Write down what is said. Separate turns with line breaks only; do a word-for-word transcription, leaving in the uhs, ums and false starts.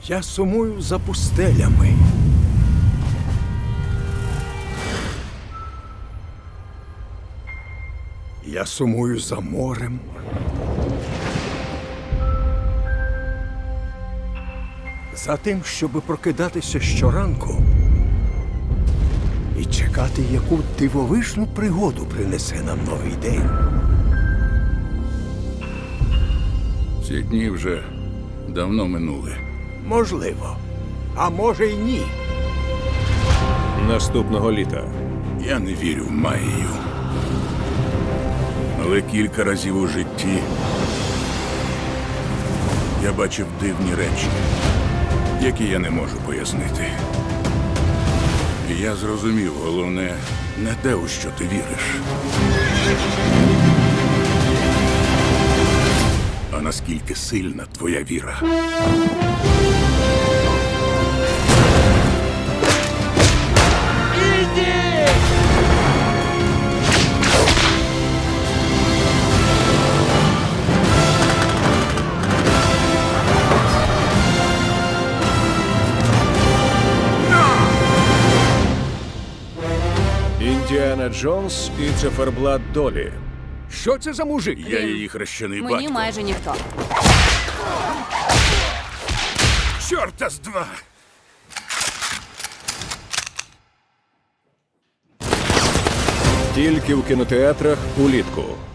Я сумую за пустелями. Я сумую за морем. За тим, щоби прокидатися щоранку і чекати, яку дивовижну пригоду принесе нам новий день.
Ці дні вже давно минули.
Можливо. А може й ні.
Наступного літа.
Я не вірю в магію. Але кілька разів у житті я бачив дивні речі, які я не можу пояснити. І я зрозумів, головне, не те, у що ти віриш, а наскільки сильна твоя віра.
Індіана Джонс і циферблат долі.
Що це за мужик?
Я її хрещений
Мені
батько.
майже ніхто.
Чорта з два!
Тільки в кінотеатрах улітку.